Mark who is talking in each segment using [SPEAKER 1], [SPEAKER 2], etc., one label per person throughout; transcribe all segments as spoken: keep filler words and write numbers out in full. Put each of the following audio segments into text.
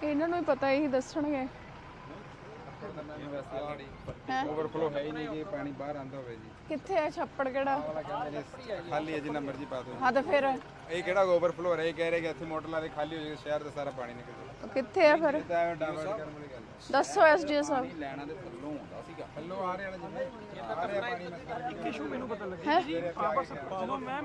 [SPEAKER 1] ਇਹਨਾਂ ਨੂੰ ਹੀ ਪਤਾ, ਇਹੀ ਦੱਸਣਗੇ।
[SPEAKER 2] ओवरफ्लो है ही नहीं कि पानी बाहर आंदा होवे जी।
[SPEAKER 1] ਕਿੱਥੇ ਹੈ ਛੱਪੜ ਕਿਹੜਾ?
[SPEAKER 2] वाला कहंदे ने खाली है जिन्ना मर्जी पा दो।
[SPEAKER 1] ਹਾਂ ਤਾਂ ਫਿਰ
[SPEAKER 2] ਇਹ ਕਿਹੜਾ ਓਵਰਫਲੋ ਹੋ ਰਿਹਾ, ਇਹ ਕਹਿ ਰਹੇ ਕਿ ਇੱਥੇ ਮੋਟਰ ਲਾ ਦੇ ਖਾਲੀ ਹੋ ਜਾਏਗਾ, ਸ਼ਹਿਰ ਦਾ ਸਾਰਾ ਪਾਣੀ ਨਿਕਲ ਜਾਏਗਾ।
[SPEAKER 1] ਕਿੱਥੇ ਹੈ ਫਿਰ?
[SPEAKER 2] ਤਾਂ ਐਵੇਂ ਡਾਇਵਰਟ ਕਰਨ ਵਾਲੀ ਗੱਲ
[SPEAKER 1] ਦੱਸੋ ਐਸਡੀਓ ਸਾਹਿਬ।
[SPEAKER 2] ਲੈਣਾ ਦੇ ਥੱਲੋਂ ਹੁੰਦਾ ਸੀਗਾ, ਥੱਲੋਂ ਆ ਰਿਹਾ ਜਿੰਨੇ ਆ ਰਿਹਾ ਪਾਣੀ ਮੈਂ
[SPEAKER 3] ਇੱਕ ਇਸ਼ੂ ਮੈਨੂੰ ਪਤਾ ਲੱਗਿਆ ਜੀ, ਪਾਵਰ ਜਦੋਂ ਮੈਮ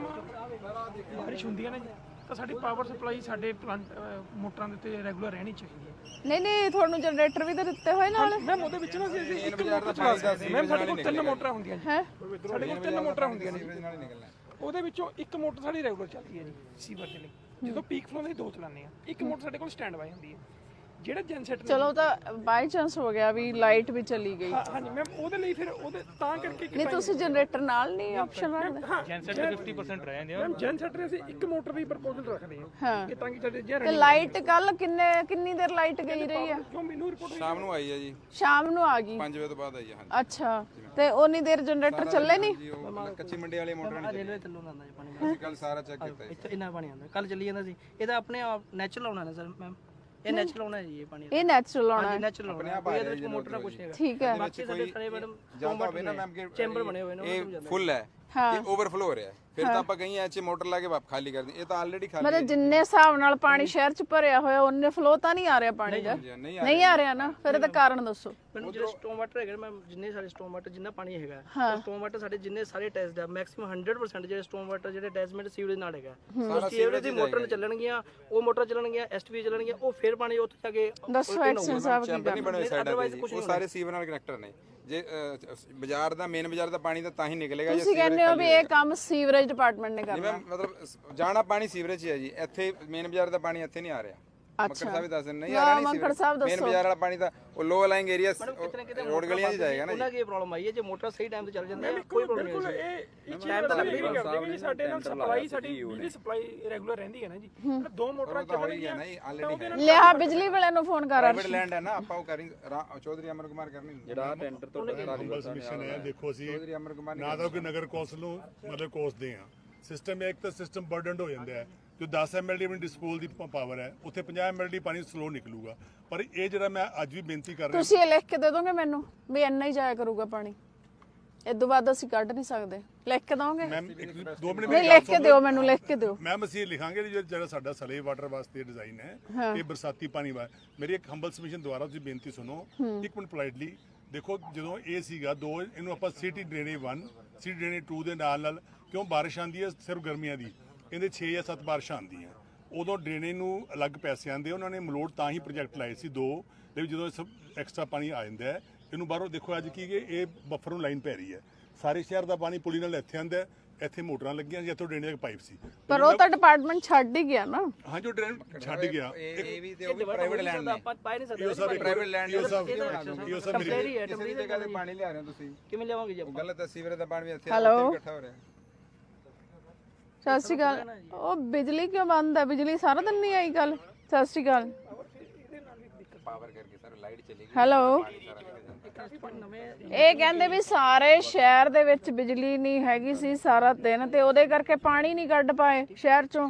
[SPEAKER 3] ਬਾਰਿਸ਼ ਹੁੰਦੀ ਹੈ ਨਾ ਜੀ, ਤਾਂ ਸਾਡੀ ਪਾਵਰ ਸਪਲਾਈ ਸਾਡੇ ਪਲਾਂਟ ਮੋਟਰਾਂ ਦੇ ਉੱਤੇ ਰੈਗੂਲਰ ਰਹਿਣੀ ਚਾਹੀਦੀ ਹੈ।
[SPEAKER 1] ਨਹੀਂ ਨਹੀਂ, ਤੁਹਾਨੂੰ ਜਨਰੇਟਰ ਵੀ ਤਾਂ ਦਿੱਤੇ ਹੋਏ ਨਾਲ।
[SPEAKER 3] ਮੈਮ ਉਹਦੇ ਵਿੱਚ ਨਾ ਅਸੀਂ ਇੱਕ ਮੋਟਰ ਚਲਾ ਸਕਦੇ। ਮੈਮ ਸਾਡੇ ਕੋਲ ਤਿੰਨ ਮੋਟਰਾਂ ਹੁੰਦੀਆਂ ਜੀ,
[SPEAKER 1] ਹੈ
[SPEAKER 3] ਸਾਡੇ ਕੋਲ ਤਿੰਨ ਮੋਟਰਾਂ ਹੁੰਦੀਆਂ ਨੇ।
[SPEAKER 2] ਸੀਵਰੇਜ ਨਾਲ ਹੀ ਨਿਕਲਣਾ।
[SPEAKER 3] ਉਹਦੇ ਵਿੱਚੋਂ ਇੱਕ ਮੋਟਰ ਸਾਡੀ ਰੈਗੂਲਰ ਚੱਲਦੀ ਹੈ ਜੀ ਸੀਵਰ ਦੇ ਲਈ, ਜਦੋਂ ਪੀਕ ਫਲੋ ਦੇ ਦੋ ਚਲਾਉਂਦੇ ਆ। ਇੱਕ ਮੋਟਰ ਸਾਡੇ ਕੋਲ ਸਟੈਂਡ ਬਾਈ ਹੁੰਦੀ ਹੈ, ਜਿਹੜਾ ਜਨਸੈਟ
[SPEAKER 1] ਚਲੋ ਤਾਂ ਬਾਈ ਚਾਂਸ ਹੋ ਗਿਆ ਵੀ ਲਾਈਟ ਵੀ ਚਲੀ ਗਈ।
[SPEAKER 3] ਹਾਂਜੀ ਮੈਮ, ਉਹਦੇ ਲਈ ਫਿਰ ਉਹਦੇ ਤਾਂ ਕਰਕੇ
[SPEAKER 1] ਨਹੀਂ ਤੁਸੀਂ ਜਨਰੇਟਰ ਨਾਲ ਨਹੀਂ ਆਪਸ਼ਨ ਰੱਖਦੇ?
[SPEAKER 3] ਜਨਸੈਟ ਫਿਫਟੀ ਪਰਸੈਂਟ ਰਹਿ ਜਾਂਦੇ ਆ ਮੈਮ। ਜਨਸੈਟ ਅਸੀਂ ਇੱਕ ਮੋਟਰ ਦੀ ਪ੍ਰਪੋਜ਼ਲ ਰੱਖਦੇ ਹਾਂ
[SPEAKER 1] ਹਾਂ,
[SPEAKER 3] ਕਿ ਤਾਂ ਕਿ ਸਾਡੇ ਜੇ
[SPEAKER 1] ਤੇ ਲਾਈਟ ਕੱਲ ਕਿੰਨੇ ਕਿੰਨੀ ਦੇਰ ਲਾਈਟ ਗਈ ਰਹੀ ਆ?
[SPEAKER 3] ਜੋ ਮੈਨੂੰ ਰਿਪੋਰਟ
[SPEAKER 2] ਸ਼ਾਮ ਨੂੰ ਆਈ ਹੈ ਜੀ,
[SPEAKER 1] ਸ਼ਾਮ ਨੂੰ ਆ ਗਈ।
[SPEAKER 2] ਪੰਜ ਵਜੇ ਤੋਂ ਬਾਅਦ ਆਈ ਹੈ। ਹਾਂਜੀ
[SPEAKER 1] ਅੱਛਾ, ਤੇ ਉਨੀ ਦੇਰ ਜਨਰੇਟਰ ਚੱਲੇ ਨਹੀਂ?
[SPEAKER 2] ਜੀ, ਉਹ ਕੱਚੀ ਮੰਡੀ ਵਾਲੀ ਮੋਟਰ ਨਹੀਂ
[SPEAKER 4] ਰੇਲਵੇ ਥੱਲੋਂ ਆਉਂਦਾ ਜੀ ਪਾਣੀ।
[SPEAKER 2] ਅਸੀਂ ਕੱਲ ਸਾਰਾ ਚੈੱਕ ਕੀਤਾ ਜੀ।
[SPEAKER 4] ਇੱਥੇ ਇੰਨਾ ਪਾਣੀ ਆਉਂਦਾ, ਕੱਲ ਚੱਲੀ ਜਾਂਦਾ ਸੀ। ਇਹਦਾ ਆਪਣੇ ਆਪ ਨੈਚੁਰਲ ਆਉਣਾ ਨਾ ਸਰ ਮੈਮ, ਇਹ ਨੈਚੁਰਲ ਆਉਣਾ ਜੀ ਇਹ ਪਾਣੀ।
[SPEAKER 1] ਇਹ ਨੈਚੁਰਲ ਆਉਣਾ ਹੈ।
[SPEAKER 4] ਨੈਚੁਰਲ ਆਉਣਾ, ਕੋਈ ਇਹਦੇ ਵਿੱਚ ਮੋਟਰ ਨਾ ਕੁਛ ਹੈਗਾ।
[SPEAKER 1] ਠੀਕ ਹੈ।
[SPEAKER 4] ਬਾਕੀ ਸਾਡੇ ਸਾਰੇ ਮੈਡਮ
[SPEAKER 2] ਜਾਂਦਾ ਹੋਵੇ ਨਾ ਮੈਮ ਕਿ
[SPEAKER 4] ਚੈਂਬਰ ਬਣੇ ਹੋਏ ਨੇ,
[SPEAKER 2] ਇਹ ਫੁੱਲ ਹੈ, ਇਹ ਓਵਰਫਲੋ ਹੋ ਰਿਹਾ ਹੈ, ਫਿਰ ਤਾਂ ਆਪਾਂ ਕਹੀਂ ਐਚ ਮੋਟਰ ਲਾ ਕੇ ਵਾਪ ਖਾਲੀ ਕਰ ਦੇ। ਇਹ ਤਾਂ ਆਲਰੇਡੀ ਖਾਲੀ ਹੈ।
[SPEAKER 1] ਮਤਲਬ ਜਿੰਨੇ ਹਿਸਾਬ ਨਾਲ ਪਾਣੀ ਸ਼ਹਿਰ ਚ ਭਰਿਆ ਹੋਇਆ ਉਹਨੇ ਫਲੋ ਤਾਂ ਨਹੀਂ ਆ ਰਿਹਾ ਪਾਣੀ ਦਾ?
[SPEAKER 2] ਨਹੀਂ
[SPEAKER 1] ਨਹੀਂ ਆ ਰਿਹਾ ਨਾ, ਫਿਰ ਇਹਦਾ ਕਾਰਨ ਦੱਸੋ।
[SPEAKER 4] ਮੈਨੂੰ ਜਿਹੜੇ ਸਟੋਮ ਵਾਟਰ ਹੈਗੇ ਮੈਮ, ਜਿੰਨੇ ਸਾਰੇ ਸਟੋਮ ਵਾਟਰ ਜਿੰਨਾ ਪਾਣੀ ਹੈਗਾ, ਸਟੋਮ ਵਾਟਰ ਸਾਡੇ ਜਿੰਨੇ ਸਾਰੇ ਟੈਸਟ ਆ, ਮੈਕਸਿਮਮ ਹੰਡਰਡ ਪਰਸੈਂਟ ਜਿਹੜੇ ਸਟੋਮ ਵਾਟਰ ਜਿਹੜੇ ਅਟੈਚਮੈਂਟ ਸੀਵਰੇਜ ਨਾਲ ਹੈਗਾ। ਉਹ ਸੀਵਰੇਜ ਦੀ ਮੋਟਰ ਚੱਲਣਗੀਆਂ, ਉਹ ਮੋਟਰ ਚੱਲਣਗੀਆਂ, ਐਸਟੀਵੀ ਚੱਲਣਗੀਆਂ, ਉਹ ਫਿਰ ਪਾਣੀ ਉੱਥੇ ਜਾ ਕੇ
[SPEAKER 1] ਦੱਸੋ ਐਕਸ਼ਨ ਸਾਹਿਬ ਕੀ
[SPEAKER 2] ਚੈਂਬਰ ਨਹੀਂ ਬਣੇ ਹੋਏ ਸਾਈਡਾਂ ਤੇ ਜੀ, ਉਹ ਸਾਰੇ ਸੀਵਰ ਨਾਲ ਕਨੈਕਟਰ ਨੇ। ਜੇ ਬਾਜ਼ਾਰ ਦਾ ਮੇਨ ਬਾਜ਼ਾਰ ਦਾ ਪਾਣੀ ਤਾਂ ਤਾਂ ਹੀ ਨਿਕਲੇਗਾ ਜੇ
[SPEAKER 1] ਤੁਸੀਂ ਕਹਿੰਦੇ ਹੋ ਵੀ ਇਹ ਕੰਮ ਸੀਵਰੇਜ ਡਿਪਾਰਟਮੈਂਟ ਨੇ ਕਰਨਾ।
[SPEAKER 2] ਮੈਂ ਮਤਲਬ ਜਾਣਾ ਪਾਣੀ ਸੀਵਰੇਜ 'ਚ ਹੈ ਜੀ, ਇੱਥੇ ਮੇਨ ਬਾਜ਼ਾਰ ਦਾ ਪਾਣੀ ਇੱਥੇ ਨਹੀਂ ਆ ਰਿਹਾ। ਮੱਕੜ ਸਾਹਿਬ ਵੀ ਦੱਸ ਦਿੰਦੇ ਨਹੀਂ ਆ ਰਿਹਾ, ਨਹੀਂ ਸੀਵਰੇਜ ਮੇਨ ਬਾਜ਼ਾਰ ਵਾਲਾ ਪਾਣੀ ਤਾਂ ਉਹ ਲੋ ਅਲਾਈਂਗ ਏਰੀਆ ਰੋਡ ਗਲੀਆਂ 'ਚ ਜਾਏਗਾ ਨਾ ਜੀ।
[SPEAKER 4] ਉਹਨਾਂ ਕੀ ਪ੍ਰੋਬਲਮ ਆਈ ਹੈ, ਜੇ ਮੋਟਰ ਸਹੀ ਟਾਈਮ ਤੇ ਚੱਲ ਜਾਂਦੀ ਹੈ ਕੋਈ ਪ੍ਰੋਬਲਮ ਨਹੀਂ ਹੈ।
[SPEAKER 3] ਇਹ ਇਹ ਟਾਈਮ ਤਾਂ ਲੱਗਦੀ ਨਹੀਂ ਕਰਦੇ ਕਿ ਸਾਡੇ ਨਾਲ ਸਪਲਾਈ ਸਾਡੀ ਬਿਜਲੀ ਸਪਲਾਈ ਰੈਗੂਲਰ ਰਹਿੰਦੀ ਹੈ ਨਾ ਜੀ। ਦੋ ਮੋਟਰਾਂ ਚੱਲਣਗੀਆਂ
[SPEAKER 2] ਨਾ ਜੀ, ਆਲਰੇਡੀ
[SPEAKER 1] ਲਿਆ ਬਿਜਲੀ ਵਾਲਿਆਂ ਨੂੰ ਫੋਨ ਕਰ।
[SPEAKER 2] ਪ੍ਰਾਈਵੇਟ ਲੈਂਡ ਹੈ ਨਾ, ਆਪਾਂ ਉਹ ਕਰੀ ਚੌਧਰੀ ਅਮਰ ਕੁਮਾਰ ਕਰਨੀ ਜਿਹੜਾ ਟੈਂਡਰ ਤੋਂ
[SPEAKER 5] ਮਿਸ਼ਨ ਹੈ। ਦੇਖੋ ਅਸੀਂ
[SPEAKER 2] ਚੌਧਰੀ ਅਮਰ ਕੁਮਾਰ
[SPEAKER 5] ਨਾ ਤਾਂ ਕੋਈ ਨਗਰ ਕੌਂਸਲ ਨੂੰ ਮਤਲਬ ਕੋਸਦੇ ਆ। ਸਿਸਟਮ ਇੱਕ ਤਾਂ ਸਿਸਟਮ ਬਰਡਨਡ ਹੋ ਜਾਂਦਾ ਹੈ, ਜੋ ਦਸ ਐਮ ਐਲ ਡੀ ਆਪਣੀ ਡਿਸਪੋਲ ਦੀ ਪਾਵਰ ਹੈ, ਉੱਥੇ ਪੰਜਾਹ ਐਮ ਐਲ ਡੀ ਪਾਣੀ ਸਲੋ ਨਿਕਲੂਗਾ। ਪਰ ਇਹ ਜਿਹੜਾ ਮੈਂ ਅੱਜ ਵੀ ਬੇਨਤੀ ਕਰ ਰਿਹਾ,
[SPEAKER 1] ਤੁਸੀਂ ਇਹ ਲਿਖ ਕੇ ਦੇ ਦੋਗੇ ਮੈਨੂੰ ਵੀ ਇੰਨਾ ਹੀ ਜਾਇਆ ਕਰੂਗਾ ਪਾਣੀ, ਇਸ ਤੋਂ ਬਾਅਦ ਅਸੀਂ ਕੱਢ ਨਹੀਂ ਸਕਦੇ? ਲਿਖ ਕੇ ਦੋਗੇ?
[SPEAKER 5] ਮੈਮ ਇੱਕ ਦੋ ਮਿੰਟ
[SPEAKER 1] ਨਹੀਂ ਲਿਖ ਕੇ ਦਿਓ ਮੈਨੂੰ, ਲਿਖ ਕੇ ਦਿਓ।
[SPEAKER 5] ਮੈਮ ਅਸੀਂ ਇਹ ਲਿਖਾਂਗੇ ਜਿਹੜਾ ਜਿਹੜਾ ਸਾਡਾ ਸਲੇ ਵਾਟਰ ਵਾਸਤੇ ਡਿਜ਼ਾਈਨ ਹੈ, ਇਹ ਬਰਸਾਤੀ ਪਾਣੀ ਵਾ। ਮੇਰੀ ਇੱਕ ਹੰਬਲ ਸਬਮਿਸ਼ਨ ਦੁਆਰਾ ਤੁਸੀਂ ਬੇਨਤੀ ਸੁਣੋ ਇੱਕ ਮਿੰਟ ਪੋਲਾਈਟਲੀ। ਦੇਖੋ ਜਦੋਂ ਇਹ ਸੀਗਾ ਦੋ, ਇਹਨੂੰ ਆਪਾਂ ਸਿਟੀ ਡਰੇਨੇਜ ਇੱਕ, ਸਿਟੀ ਡਰੇਨੇਜ ਦੋ ਦੇ ਨਾਲ ਨਾਲ ਕਿਉਂ ਬਾਰਿਸ਼ ਆਉਂਦੀ ਹੈ ਸਿਰਫ ਗਰਮੀਆਂ ਦੀ, ਇਹਦੇ ਛੇ ਜਾਂ ਸੱਤ ਬਾਰਿਸ਼ਾਂ ਆਉਂਦੀਆਂ, ਉਦੋਂ ਡਰੇਨੇਜ ਨੂੰ ਅਲੱਗ ਪੈਸੇ ਆਉਂਦੇ। ਉਹਨਾਂ ਨੇ ਮਲੋਟ ਤਾਂ ਹੀ ਪ੍ਰੋਜੈਕਟ ਲਾਏ ਸੀ ਦੋ, ਲੇਕਿਨ ਜਦੋਂ ਸਭ ਐਕਸਟਰਾ ਪਾਣੀ ਆ ਜਾਂਦਾ ਹੈ ਇਹਨੂੰ ਬਾਹਰੋਂ ਦੇਖੋ ਅੱਜ ਕੀ ਕਿ ਇਹ ਬੱਫਰ ਨੂੰ ਲਾਈਨ ਪੈ ਰਹੀ ਹੈ। ਸਾਰੇ ਸ਼ਹਿਰ ਦਾ ਪਾਣੀ ਪੁਲੀ ਨਾਲ ਇੱਥੇ ਆਉਂਦਾ, ਇੱਥੇ ਮੋਟਰਾਂ ਲੱਗੀਆਂ ਸੀ, ਇੱਥੋਂ ਡਰੇਨੇਜ ਪਾਈਪ ਸੀ।
[SPEAKER 1] ਪਰ ਉਹ ਤਾਂ ਡਿਪਾਰਟਮੈਂਟ ਛੱਡ ਹੀ ਗਿਆ ਨਾ।
[SPEAKER 5] ਹਾਂ ਜੋ ਡਰੇਨ ਛੱਡ ਗਿਆ,
[SPEAKER 2] ਇਹ ਵੀ ਤੇ ਉਹ ਵੀ ਪ੍ਰਾਈਵੇਟ ਲੈਂਡ ਨੇ।
[SPEAKER 4] ਆਪਾਂ ਪਾਈ ਨਹੀਂ ਸਕਦੇ।
[SPEAKER 5] ਇਹ ਸਭ
[SPEAKER 2] ਪ੍ਰਾਈਵੇਟ ਲੈਂਡ
[SPEAKER 5] ਇਹ ਸਭ ਇਹ ਸਭ ਮੇਰੀ
[SPEAKER 4] ਟੈਂਪਰੇਰੀ ਹੈ,
[SPEAKER 2] ਕਿਸੇ ਦੀ ਜਗ੍ਹਾ ਤੇ ਪਾਣੀ ਲਿਆ ਰਹੇ ਹੋ ਤੁਸੀਂ,
[SPEAKER 4] ਕਿਵੇਂ ਲਿਆਵਾਂਗੇ ਜੀ
[SPEAKER 2] ਉਹ
[SPEAKER 4] ਆਪਾਂ?
[SPEAKER 2] ਗਲਤ ਹੈ। ਸੀਵਰੇਜ ਦਾ ਪਾਣੀ ਵੀ ਇੱਥੇ
[SPEAKER 1] Hello?
[SPEAKER 2] ਇਕੱਠਾ ਹੋ ਰਿਹਾ।
[SPEAKER 1] ਸਤਿ ਸ਼੍ਰੀ ਅਕਾਲ। ਉਹ ਬਿਜਲੀ ਕਿਉਂ ਬੰਦ ਹੈ? ਬਿਜਲੀ ਸਾਰਾ ਦਿਨ ਨਹੀਂ ਆਈ ਕੱਲ? ਸਤਿ ਸ਼੍ਰੀ ਅਕਾਲ।
[SPEAKER 2] ਪਾਵਰ ਕਰਕੇ ਸਰ ਲਾਈਟ ਚਲੀ ਗਈ।
[SPEAKER 1] ਹੈਲੋ, ਇਹ ਕਹਿੰਦੇ ਵੀ ਸਾਰੇ ਸ਼ਹਿਰ ਦੇ ਵਿੱਚ ਬਿਜਲੀ ਨਹੀਂ ਹੈਗੀ ਸੀ ਸਾਰਾ ਦਿਨ, ਤੇ ਉਹਦੇ ਕਰਕੇ ਪਾਣੀ ਨਹੀਂ ਕੱਢ ਪਾਏ ਸ਼ਹਿਰ ਚੋਂ।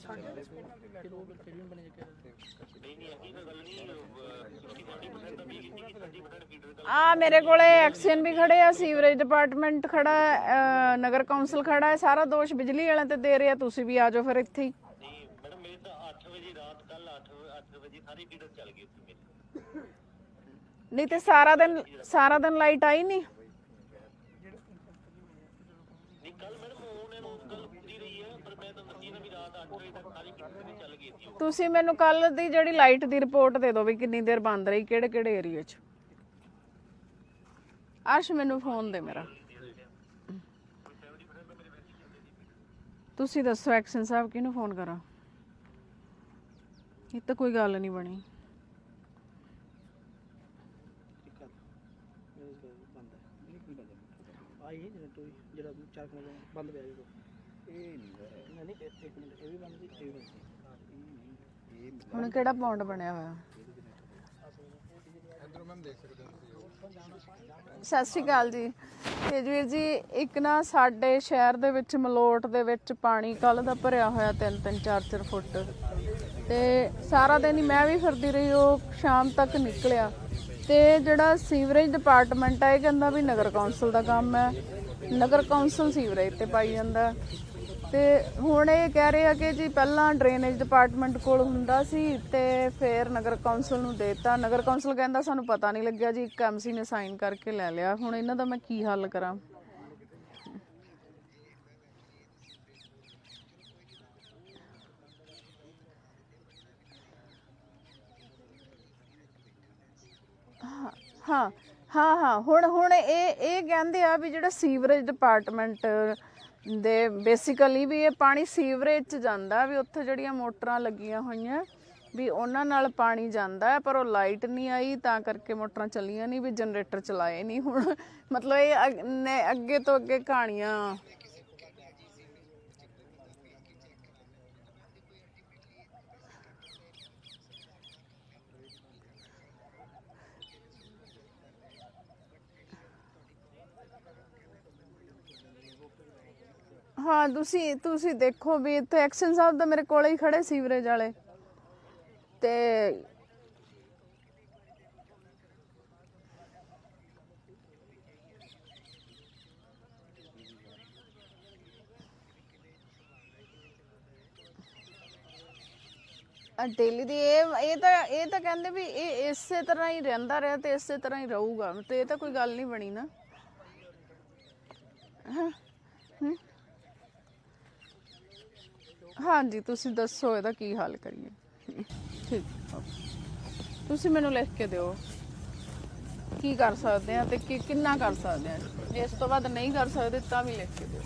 [SPEAKER 1] ਆ ਮੇਰੇ ਕੋਲੇ ਐਕਸ਼ਨ ਵੀ ਖੜੇ ਆ, ਸੀਵਰੇਜ ਡਿਪਾਰਟਮੈਂਟ ਖੜਾ ਹੈ, ਨਗਰ ਕੌਂਸਲ ਖੜਾ ਹੈ, ਸਾਰਾ ਦੋਸ਼ ਬਿਜਲੀ ਵਾਲਿਆਂ ਤੇ ਦੇ ਰਿਹਾ। ਤੁਸੀਂ ਵੀ ਆ ਜਾਓ ਫਿਰ ਇੱਥੇ ਹੀ।
[SPEAKER 6] ਮੈਡਮ ਮੇਰੇ ਤਾਂ ਅੱਠ ਵਜੇ ਰਾਤ ਕੱਲ ਅੱਠ ਵਜੇ ਸਾਰੀ ਫੀਡਰ ਚੱਲ ਗਈ ਉੱਥੇ ਮੇਰੀ।
[SPEAKER 1] ਨਹੀਂ ਤੇ ਸਾਰਾ ਦਿਨ ਸਾਰਾ ਦਿਨ ਲਾਈਟ ਆਈ ਨਹੀਂ?
[SPEAKER 6] ਨਹੀਂ ਕੱਲ ਮੈਡਮ ਉਹਨਾਂ ਨੂੰ ਗੱਲ ਹੁੰਦੀ ਰਹੀ ਹੈ, ਪਰ ਮੈਂ ਤਾਂ ਦੱਸੀ ਨਾ ਵੀ ਰਾਤ ਅੱਠ ਵਜੇ ਤੱਕ ਸਾਰੀ ਫੀਡਰ ਚੱਲ ਗਈ ਸੀ।
[SPEAKER 1] ਤੁਸੀਂ ਮੈਨੂੰ ਕੱਲ ਦੀ ਜਿਹੜੀ ਲਾਈਟ ਦੀ ਰਿਪੋਰਟ ਦੇ ਦਿਓ ਵੀ ਕਿੰਨੀ ਦੇਰ ਬੰਦ ਰਹੀ, ਕਿਹੜੇ ਕਿਹੜੇ ਏਰੀਆ 'ਚ। ਅਰਸ਼ ਮੈਨੂੰ ਫੋਨ ਦੇ ਮੇਰਾ। ਤੁਸੀਂ ਦੱਸੋ ਐਕਸ਼ਨ ਸਾਹਿਬ ਕਿਹਨੂੰ ਫੋਨ ਕਰਾਂ? ਇਹ ਤਾਂ ਕੋਈ ਗੱਲ ਨਹੀਂ ਬਣੀ।
[SPEAKER 4] ਆਈ ਜਿਹੜਾ ਚਾਰ ਕਿਲੋ ਬੰਦ ਪਿਆ ਜੀ, ਇਹ ਨਹੀਂ ਨਹੀਂ ਇੱਕ ਮਿੰਟ, ਇਹ ਵੀ ਬੰਦ ਸੀ, ਇਹ ਵੀ ਬੰਦ ਸੀ।
[SPEAKER 1] ਹੁਣ ਕਿਹੜਾ ਪੌਂਡ ਬਣਿਆ ਹੋਇਆ?
[SPEAKER 2] ਇਧਰੋਂ ਮੈਮ ਦੇਖ ਸਕਦੇ ਹੋ
[SPEAKER 1] ਸਤਿ ਸ਼੍ਰੀ ਅਕਾਲ ਜੀ। ਤੇਜਵੀਰ ਜੀ, ਇੱਕ ਨਾ ਸਾਡੇ ਸ਼ਹਿਰ ਦੇ ਵਿੱਚ ਮਲੋਟ ਦੇ ਵਿੱਚ ਪਾਣੀ ਕੱਲ ਦਾ ਭਰਿਆ ਹੋਇਆ ਤਿੰਨ ਤਿੰਨ ਚਾਰ ਚਾਰ ਫੁੱਟ। ਤੇ ਸਾਰਾ ਦਿਨ ਹੀ ਮੈਂ ਵੀ ਫਿਰਦੀ ਰਹੀ, ਉਹ ਸ਼ਾਮ ਤੱਕ ਨਿਕਲਿਆ। ਤੇ ਜਿਹੜਾ ਸੀਵਰੇਜ ਡਿਪਾਰਟਮੈਂਟ ਹੈ ਇਹ ਕਹਿੰਦਾ ਵੀ ਨਗਰ ਕੌਂਸਲ ਦਾ ਕੰਮ ਹੈ, ਨਗਰ ਕੌਂਸਲ ਸੀਵਰੇਜ ਤੇ ਪਾਈ ਜਾਂਦਾ। ਤੇ ਹੁਣ ਇਹ ਕਹਿ ਰਹੇ ਆ ਕਿ ਜੀ ਪਹਿਲਾਂ ਡਰੇਨੇਜ ਡਿਪਾਰਟਮੈਂਟ ਕੋਲ ਹੁੰਦਾ ਸੀ ਤੇ ਫਿਰ ਨਗਰ ਕੌਂਸਲ ਨੂੰ ਦੇਤਾ। ਨਗਰ ਕੌਂਸਲ ਕਹਿੰਦਾ ਸਾਨੂੰ ਪਤਾ ਨਹੀਂ ਲੱਗਿਆ ਜੀ, ਇੱਕ ਐਮਸੀ ਨੇ ਸਾਈਨ ਕਰਕੇ ਲੈ ਲਿਆ। ਹੁਣ ਇਹਨਾਂ ਦਾ ਮੈਂ ਕੀ ਹੱਲ ਕਰਾਂ? ਹਾਂ ਹਾਂ ਹਾਂ ਹੁਣ ਹੁਣ ਇਹ ਇਹ ਕਹਿੰਦੇ ਆ ਵੀ ਜਿਹੜਾ ਸੀਵਰੇਜ ਡਿਪਾਰਟਮੈਂਟ ਦੇ ਬੇਸਿਕਲੀ ਵੀ ਇਹ ਪਾਣੀ ਸੀਵਰੇਜ 'ਚ ਜਾਂਦਾ, ਵੀ ਉੱਥੇ ਜਿਹੜੀਆਂ ਮੋਟਰਾਂ ਲੱਗੀਆਂ ਹੋਈਆਂ ਵੀ ਉਹਨਾਂ ਨਾਲ ਪਾਣੀ ਜਾਂਦਾ ਹੈ, ਪਰ ਉਹ ਲਾਈਟ ਨਹੀਂ ਆਈ ਤਾਂ ਕਰਕੇ ਮੋਟਰਾਂ ਚੱਲੀਆਂ ਨਹੀਂ, ਵੀ ਜਨਰੇਟਰ ਚਲਾਏ ਨਹੀਂ। ਹੁਣ ਮਤਲਬ ਇਹ ਅੱਗ- ਨੇ ਅੱਗੇ ਤੋਂ ਅੱਗੇ ਕਹਾਣੀਆਂ। ਹਾਂ ਤੁਸੀਂ ਤੁਸੀਂ ਦੇਖੋ ਵੀ ਇੱਥੇ ਐਕਸ਼ਨ ਸਾਹਿਬ ਦਾ ਮੇਰੇ ਕੋਲੇ ਹੀ ਖੜੇ ਸੀਵਰੇਜ ਵਾਲੇ ਤੇ ਡੇਲੀ ਦੀ ਇਹ ਇਹ ਤਾਂ ਇਹ ਤਾਂ ਕਹਿੰਦੇ ਵੀ ਇਹ ਇਸੇ ਤਰ੍ਹਾਂ ਹੀ ਰਹਿੰਦਾ ਰਿਹਾ ਤੇ ਇਸੇ ਤਰ੍ਹਾਂ ਹੀ ਰਹੂਗਾ, ਤੇ ਇਹ ਤਾਂ ਕੋਈ ਗੱਲ ਨਹੀਂ ਬਣੀ ਨਾ। ਹਾਂ ਹਾਂਜੀ ਤੁਸੀਂ ਦੱਸੋ ਇਹਦਾ ਕੀ ਹੱਲ ਕਰੀਏ? ਠੀਕ, ਤੁਸੀਂ ਮੈਨੂੰ ਲਿਖ ਕੇ ਦਿਓ ਕੀ ਕਰ ਸਕਦੇ ਆ ਤੇ ਕੀ ਕਿੰਨਾ ਕਰ ਸਕਦੇ ਆ। ਜੇ ਇਸ ਤੋਂ ਬਾਅਦ ਨਹੀਂ ਕਰ ਸਕਦੇ ਤਾਂ ਵੀ ਲਿਖ ਕੇ ਦਿਓ।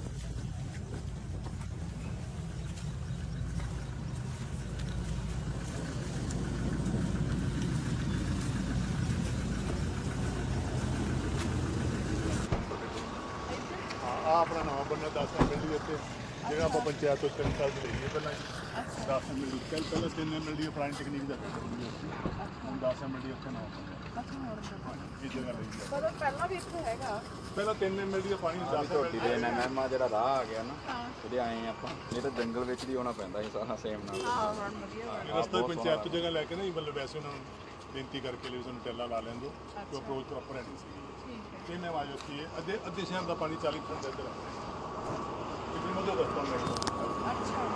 [SPEAKER 5] ਆ ਆਪਣਾ ਨਵਾਂ ਬੰਨਾ ਦਸ ਮਿੰਟ ਦੀ ਉੱਤੇ ਜਿਹੜਾ ਆਪਾਂ ਪੰਚਾਇਤ ਤੋਂ ਤਿੰਨ ਸਾਲ ਦੀ ਲਈਏ ਪਹਿਲਾਂ ਦਸ ਮਿੰਟ ਦੀ ਕੱਲ ਪਹਿਲਾਂ ਤਿੰਨ ਮਿੰਟ ਦੀ ਪੁਰਾਣੀ ਟੈਕਨੀਕ ਦਾ ਹੁਣ ਦਸ ਮਿੰਟ ਦੀ ਉੱਥੇ ਨਾ ਇਹ ਜਗ੍ਹਾ ਲਈ
[SPEAKER 1] ਪਰ ਪਹਿਲਾਂ ਵੀ ਇੱਥੇ ਹੈਗਾ,
[SPEAKER 5] ਪਹਿਲਾਂ ਤਿੰਨ ਮਿੰਟ ਦੀ ਪਾਣੀ ਦਸ
[SPEAKER 2] ਝੋਟੀ ਦੇ ਐਨਐਮ ਆ ਜਿਹੜਾ ਰਾਹ ਆ ਗਿਆ ਨਾ ਉਹਦੇ ਆਏ ਆਪਾਂ, ਨਹੀਂ ਤਾਂ ਜੰਗਲ ਵਿੱਚ ਦੀ ਆਉਣਾ ਪੈਂਦਾ ਸੀ ਸਾਰਾ ਸੇਮ ਨਾਲ।
[SPEAKER 1] ਹਾਂ ਹੁਣ ਵਧੀਆ
[SPEAKER 5] ਰਸਤਾ ਪੰਚਾਇਤ ਤੋਂ ਜਗ੍ਹਾ ਲੈ ਕੇ ਨਾ ਮਤਲਬ ਵੈਸੇ ਉਹਨਾਂ ਨੂੰ ਬੇਨਤੀ ਕਰਕੇ ਲਈ ਸਾਨੂੰ ਟੈਲਾ ਲਾ ਲੈਂਦੇ ਕਿ ਅਪਰੋਚ ਪ੍ਰੋਪਰ ਹੈ ਨਹੀਂ ਸੀ। ਕਿੰਨੇ ਵਾਜ ਉੱਤੀ ਹੈ ਅੱਧੇ ਅੱਧੇ ਸ਼ਹਿਰ ਦਾ ਪਾਣੀ ਚਾਲੀ ਫੁੱਟ ਇੱਧਰ ਕਿੰਨੀ ਮਦਦ ਰਸਤਾ ਮਿਲਦਾ।
[SPEAKER 1] ਅੱਛਾ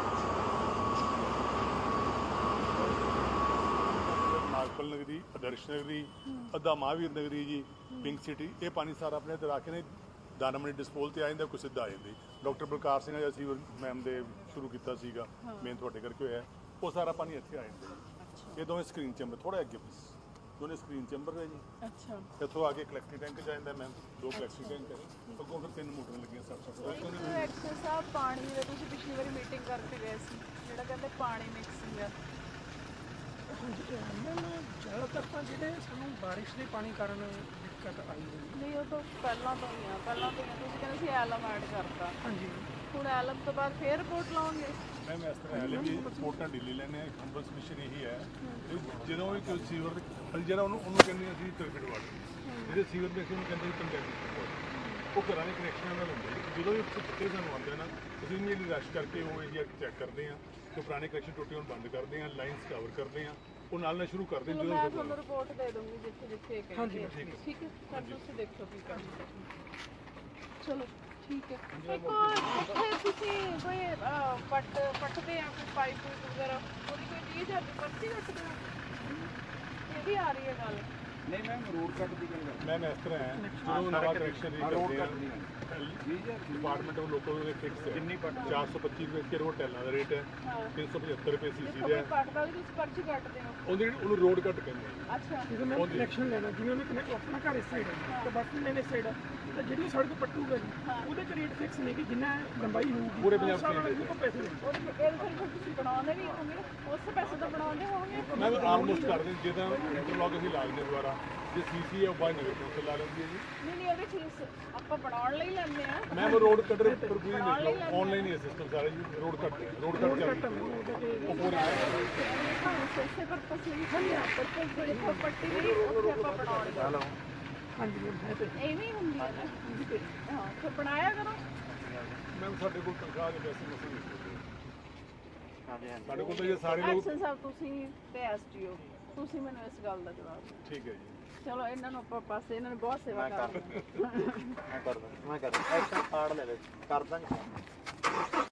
[SPEAKER 5] ਨਾਗਪਲ ਨਗਰੀ, ਆਦਰਸ਼ ਨਗਰੀ, ਅੱਧਾ ਮਹਾਵੀਰ ਨਗਰੀ ਜੀ, ਪਿੰਕ ਸਿਟੀ, ਇਹ ਪਾਣੀ ਸਾਰਾ ਆਪਣੇ ਇੱਧਰ ਆ ਕੇ ਨੇ ਦਾਨਮਣੀ ਡਿਸਪੋਲ ਤੇ ਆ ਜਾਂਦਾ, ਕੋਈ ਸਿੱਧਾ ਆ ਜਾਂਦੀ। ਡਾਕਟਰ ਬਲਕਾਰ ਸਿੰਘ ਅਸੀਂ ਮੈਮ ਦੇ ਸ਼ੁਰੂ ਕੀਤਾ ਸੀਗਾ, ਮੇਨ ਤੁਹਾਡੇ ਕਰਕੇ ਹੋਇਆ, ਉਹ ਸਾਰਾ ਪਾਣੀ ਇੱਥੇ ਆ ਜਾਂਦਾ। ਇਹ ਦੋਵੇਂ ਸਕਰੀਨ ਚੈਂਬਰ ਥੋੜਾ ਅੱਗੇ ਬਸ ਦੋਨੇ ਸਕਰੀਨ ਚੈਂਬਰ ਹੈ ਜੀ।
[SPEAKER 1] ਅੱਛਾ
[SPEAKER 5] ਇੱਥੋਂ ਆ ਕੇ ਕਲੈਕਟਿਵ ਟੈਂਕ ਜਾਂਦਾ ਮੈਮ, ਦੋ ਕਲੈਕਟਿਵ ਟੈਂਕ ਹੈ, ਅੱਗੋਂ ਫਿਰ ਤਿੰਨ ਮੋਟਰ ਲੱਗੀਆਂ ਸੱਤ ਸੱਤ।
[SPEAKER 1] ਐਕਸ਼ਨ ਸਾਹਿਬ ਪਾਣੀ ਦੇ ਤੁਸੀਂ ਪਿਛਲੀ ਵਾਰੀ ਮੀਟਿੰਗ ਕਰਕੇ ਗਏ ਸੀ, ਜਿਹੜਾ ਕਹਿੰਦੇ ਪਾਣੀ ਮਿਕਸਿੰਗ ਆ।
[SPEAKER 3] ਜ਼ਿਆਦਾਤਰ ਤਾਂ ਜਿਹੜੇ ਸਾਨੂੰ ਬਾਰਿਸ਼ ਦੇ ਪਾਣੀ ਕਾਰਨ ਦਿੱਕਤ ਆਈ ਹੋਈ।
[SPEAKER 1] ਨਹੀਂ ਉਹ ਤਾਂ ਪਹਿਲਾਂ ਤੋਂ ਹੀ ਆ, ਪਹਿਲਾਂ ਤੋਂ ਹੀ ਆ। ਤੁਸੀਂ ਕਹਿੰਦੇ ਸੀ ਐਲਮ ਐਡ ਕਰਤਾ,
[SPEAKER 3] ਹਾਂਜੀ
[SPEAKER 1] ਹੁਣ ਐਲਮ ਤੋਂ ਬਾਅਦ ਫੇਰ ਰਿਪੋਰਟ ਲਾਉਂਗੇ।
[SPEAKER 5] ਮੈਮ ਇਸ ਤਰ੍ਹਾਂ ਹੈ ਵੀ ਰਿਪੋਰਟਾਂ ਢਿੱਲੀ ਲੈਣੇ ਆ। ਹੰਬਲ ਸਬਮਿਸ਼ਨ ਇਹੀ ਹੈ ਵੀ ਜਦੋਂ ਵੀ ਕੋਈ ਸੀਵਰ ਦੇ ਅਸੀਂ ਜਿਹੜਾ ਉਹਨੂੰ ਉਹਨੂੰ ਕਹਿੰਦੇ ਹਾਂ ਅਸੀਂ ਟਰਬਿਡ ਵਾਟਰ, ਜਿਹੜੇ ਸੀਵਰ ਦੇ ਅਸੀਂ ਉਹਨੂੰ ਕਹਿੰਦੇ ਹਾਂ ਕੰਟੈਕਟ, ਉਹ ਘਰਾਂ ਦੇ ਕਨੈਕਸ਼ਨਾਂ ਨਾਲ ਹੁੰਦੇ ਨੇ। ਜਦੋਂ ਵੀ ਪੱਤੇ ਸਾਨੂੰ ਆਉਂਦੇ ਨਾ ਅਸੀਂ ਇਮੀਡੀਏਟਲੀ ਰਸ਼ ਕਰਕੇ ਉਹ ਏਰੀਆ ਚੈੱਕ ਕਰਦੇ ਹਾਂ ਕਿ ਪੁਰਾਣੇ ਕਨੈਕਸ਼ਨ ਟੁੱਟੇ ਹੋਣ ਬੰਦ ਕਰਦੇ ਹਾਂ, ਲਾਈਨਸ ਕਵਰ ਕਰਦੇ ਹਾਂ, ਉਹ ਨਾਲ ਨਾਲ ਸ਼ੁਰੂ ਕਰਦੇ
[SPEAKER 1] ਚਲੋ
[SPEAKER 5] ਜਦੋਂ
[SPEAKER 1] ਮੈਂ ਤੁਹਾਨੂੰ ਰਿਪੋਰਟ ਦੇ ਦੂੰਗੀ ਜਿੱਥੇ ਜਿੱਥੇ ਇਹ
[SPEAKER 3] ਹਾਂਜੀ,
[SPEAKER 1] ਕਹਿੰਦੇ ਆ। ਠੀਕ ਹੈ ਸਰ ਤੁਸੀਂ ਦੇਖੋ ਕੀ ਕਰਨਾ। ਚਲੋ ਠੀਕ ਹੈ। ਇੱਕ ਇੱਥੇ ਤੁਸੀਂ ਕੋਈ ਅਹ, ਪੱਟ ਪੱਟਦੇ ਆ ਕੋਈ ਪਾਈਪ ਵਗੈਰਾ, ਉਹਦੀ ਕੋਈ ਵੀਹ ਹਜ਼ਾਰ ਦੀ ਪਰਚੀ ਕੱਟਦੇ ਆ? ਇਹ ਵੀ ਆ ਰਹੀ ਹੈ ਗੱਲ?
[SPEAKER 2] ਨਹੀਂ ਮੈਮ ਰੋਡ ਕੱਟ ਦੀ ਗੱਲ ਕਰ
[SPEAKER 5] ਮੈਮ ਇਸ ਤਰ੍ਹਾਂ ਹੈ ਜਦੋਂ ਨਵਾਂ ਕਨੈਕਸ਼ਨ ਰੀ ਕਰਦੇ ਆ ਡਿਪਾਰਟਮੈਂਟ ਆਫ ਲੋਕਲ ਦੇ ਫਿਕਸ ਹੈ ਕਿੰਨੀ ਪੱਟ ਚਾਰ ਸੌ ਪੱਚੀ ਰੁਪਏ ਕਿ ਰੋਡ ਟੈਲਾਂ ਦਾ ਰੇਟ ਹੈ, ਤਿੰਨ ਸੌ ਪਝੱਤਰ ਰੁਪਏ ਸੀਸੀ ਦਾ ਹੈ।
[SPEAKER 1] ਪੱਟਦਾ ਵੀ ਤੁਸੀਂ ਪਰਚੀ ਕੱਟਦੇ ਹੋ?
[SPEAKER 5] ਉਹਦੀ ਉਹਨੂੰ ਰੋਡ ਕੱਟ ਕਹਿੰਦੇ ਆ।
[SPEAKER 1] ਅੱਛਾ
[SPEAKER 3] ਜਦੋਂ ਮੈਂ ਕਨੈਕਸ਼ਨ ਲੈਣਾ, ਜਿਵੇਂ ਉਹਨੇ ਕਨੈਕਟ ਆਪਣਾ ਘਰ ਇਸ ਸਾਈਡ ਹੈ ਤੇ ਬਾਕੀ ਲੈਣ ਇਸ ਸਾਈਡ ਹੈ, ਤਾਂ ਜਿਹੜੀ ਸੜਕ ਪੱਟੂਗਾ ਜੀ ਉਹਦੇ ਤੇ ਰੇਟ ਫਿਕਸ ਨਹੀਂ ਕਿ ਜਿੰਨਾ ਲੰਬਾਈ ਹੋਊਗੀ
[SPEAKER 5] ਪੂਰੇ ਪੰਜਾਬ
[SPEAKER 3] ਉਸ ਹਿਸਾਬ ਨਾਲ ਉਹਨੂੰ ਪੈਸੇ ਦੇਣੇ।
[SPEAKER 1] ਉਹਦੇ ਇਹਦੇ ਫਿਰ ਤੁਸੀਂ ਬਣਾਉਂਦੇ ਵੀ ਹੋਵੋਗੇ, ਉਸ ਪੈਸੇ ਦਾ ਬਣਾਉਂਦੇ ਹੋਵੋਗੇ?
[SPEAKER 5] ਮੈਂ ਆਲਮੋਸਟ ਕਰਦੇ ਜਿੱਦਾਂ ਇੰਟਰਲੌਕ ਅਸੀਂ ਲਾ ਦਿੰਦੇ ਦੁਬਾਰਾ, ਜੇ ਸੀਸੀ ਹੈ ਉਹ ਬਾਈ ਨਗਰ ਕੌਂਸਲ ਲਾ ਲੈਂਦੀ ਹੈ ਜੀ।
[SPEAKER 1] ਨਹੀਂ ਨਹੀਂ ਉਹਦੇ ਚੀਜ਼ ਆਪਾਂ ਬਣਾਉਣ ਲਈ ਲੈਂਦੇ ਆ।
[SPEAKER 5] ਮੈਮ ਰੋਡ ਕੱਟਰ ਪਰ ਪੂਰੀ ਦੇਖ ਲਓ, ਆਨਲਾਈਨ ਹੀ ਸਿਸਟਮ ਸਾਰਾ ਜੀ। ਰੋਡ ਕੱਟ ਰੋਡ ਕੱਟ ਚੱਲ ਉਹ ਪੂਰੇ
[SPEAKER 1] ਹਾਂ ਸੈਸੇ ਪਰਪਸ ਲਈ ਖਲਿਆ ਪਰਪਸ ਦੇ ਇੱਥੇ ਪੱਟੀ ਨਹੀਂ ਉੱਥੇ ਆਪਾਂ ਬਣਾਉਣੀ ਆ।
[SPEAKER 3] ਹਾਂਜੀ ਮੈਮ ਹੈ ਤੇ
[SPEAKER 1] ਐਵੇਂ ਹੀ ਹੁੰਦੀ ਹੈ ਨਾ। ਹਾਂ ਫਿਰ ਬਣਾਇਆ ਕਰੋ।
[SPEAKER 5] ਮੈਮ ਸਾਡੇ ਕੋਲ ਤਨਖਾਹ ਦੇ ਪੈਸੇ ਮਸੂਲ ਨਹੀਂ ਹੁੰਦੇ। ਸਾਡੇ ਕੋਲ ਤਾਂ ਇਹ ਸਾਰੇ ਲੋਕ
[SPEAKER 1] ਐਕਸ਼ਨ ਸਾਹਿਬ ਤੁਸੀਂ ਤੇ ਐਸਟੀਓ ਤੁਸੀਂ ਮੈਨੂੰ ਇਸ ਗੱਲ ਦਾ ਜਵਾਬ ਦਿਓ।
[SPEAKER 5] ਠੀਕ ਹੈ ਜੀ।
[SPEAKER 1] ਚਲੋ ਇਹਨਾਂ ਨੂੰ ਆਪਾਂ ਪਾਸੇ, ਇਹਨਾਂ ਨੇ ਬਹੁਤ ਸੇਵਾ ਕਰ
[SPEAKER 7] ਮੈਂ ਕਰ ਦਾਂ ਮੈਂ ਕਰ ਦਾਂ ਐਕਸ਼ਨ ਕਾਰਡ ਲੈ ਲੈ ਕਰ ਦਾਂਗੇ।